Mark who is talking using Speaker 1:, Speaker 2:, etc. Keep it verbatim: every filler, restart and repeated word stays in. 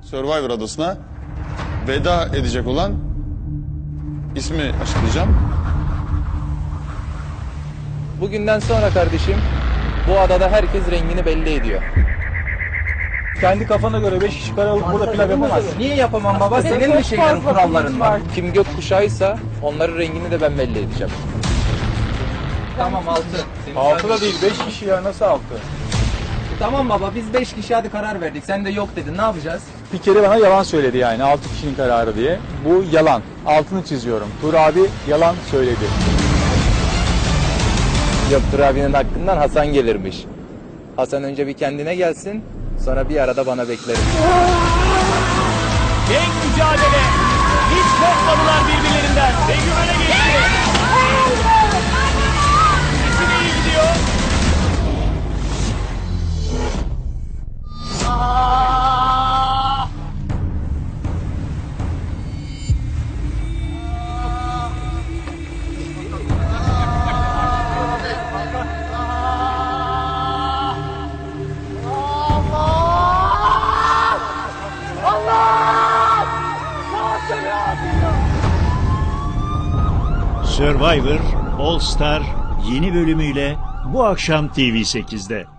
Speaker 1: Survivor adasına veda edecek olan ismi açıklayacağım.
Speaker 2: Bugünden sonra kardeşim bu adada herkes rengini belli ediyor.
Speaker 3: Kendi kafana göre beş kişi kare alıp burada pilav yapamazsın.
Speaker 2: Niye yapamam baba? Senin mi şeylerin, kuralların var? Kim gökkuşağıysa onların rengini de ben belli edeceğim. Tamam altı.
Speaker 3: Altı da değil, beş kişi ya, nasıl altı?
Speaker 2: Tamam baba, biz beş kişi hadi karar verdik. Sen de yok dedin. Ne yapacağız?
Speaker 3: Bir kere bana yalan söyledi yani, altı kişinin kararı diye. Bu yalan. Altını çiziyorum. Tur abi yalan söyledi.
Speaker 2: Yoktur abinin hakkından Hasan gelirmiş. Hasan önce bir kendine gelsin. Sonra bir arada bana bekleriz.
Speaker 4: Tek mücadele. Hiç korkmadılar birbirlerinden. Ve güvene geçti. İkisi de iyi gidiyor.
Speaker 5: Survivor All Star yeni bölümüyle bu akşam T V sekizde.